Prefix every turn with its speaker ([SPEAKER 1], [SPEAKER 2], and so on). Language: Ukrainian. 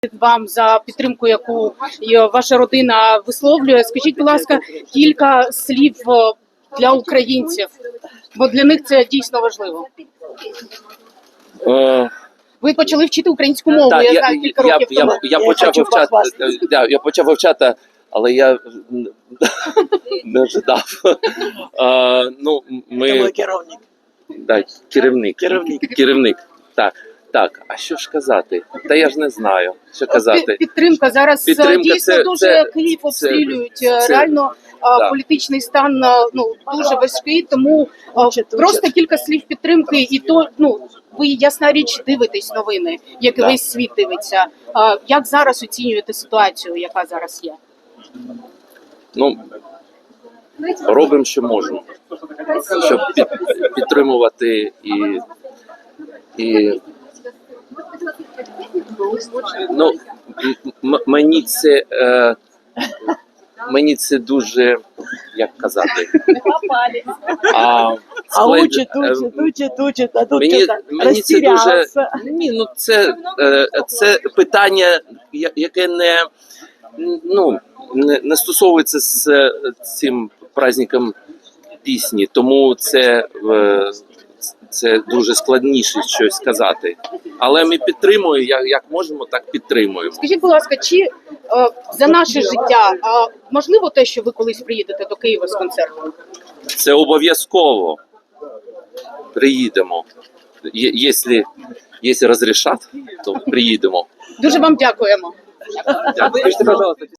[SPEAKER 1] вам за підтримку, яку ваша родина висловлює. Скажіть, будь ласка, кілька слів для українців, бо для них це дійсно важливо. Ви почали вчити українську мову, я знаю, кілька років тому.
[SPEAKER 2] Я почав вивчати, але я не ожидав. Керівник. Так, а що ж казати? Та я ж не знаю, що казати.
[SPEAKER 1] Підтримка. Зараз дійсно дуже Київ обстрілюють. Реально політичний стан дуже важкий, тому просто кілька слів підтримки. І то, ви, ясна річ, дивитесь новини, як і весь світ дивиться. Як зараз оцінюєте ситуацію, яка зараз є?
[SPEAKER 2] Робимо, що можемо, щоб підтримувати мені це дуже, як казати,
[SPEAKER 3] учить, а тут
[SPEAKER 2] мені це дуже, це питання, яке не стосовується з цим праздником пісні, тому це дуже складніше щось сказати. Але ми підтримуємо, як можемо, так підтримуємо.
[SPEAKER 1] Скажіть, будь ласка, чи за наше життя можливо те, що ви колись приїдете до Києва з концертом?
[SPEAKER 2] Це обов'язково. Приїдемо. Якщо розрішать, то приїдемо.
[SPEAKER 1] Дуже вам дякуємо.
[SPEAKER 2] Дякую.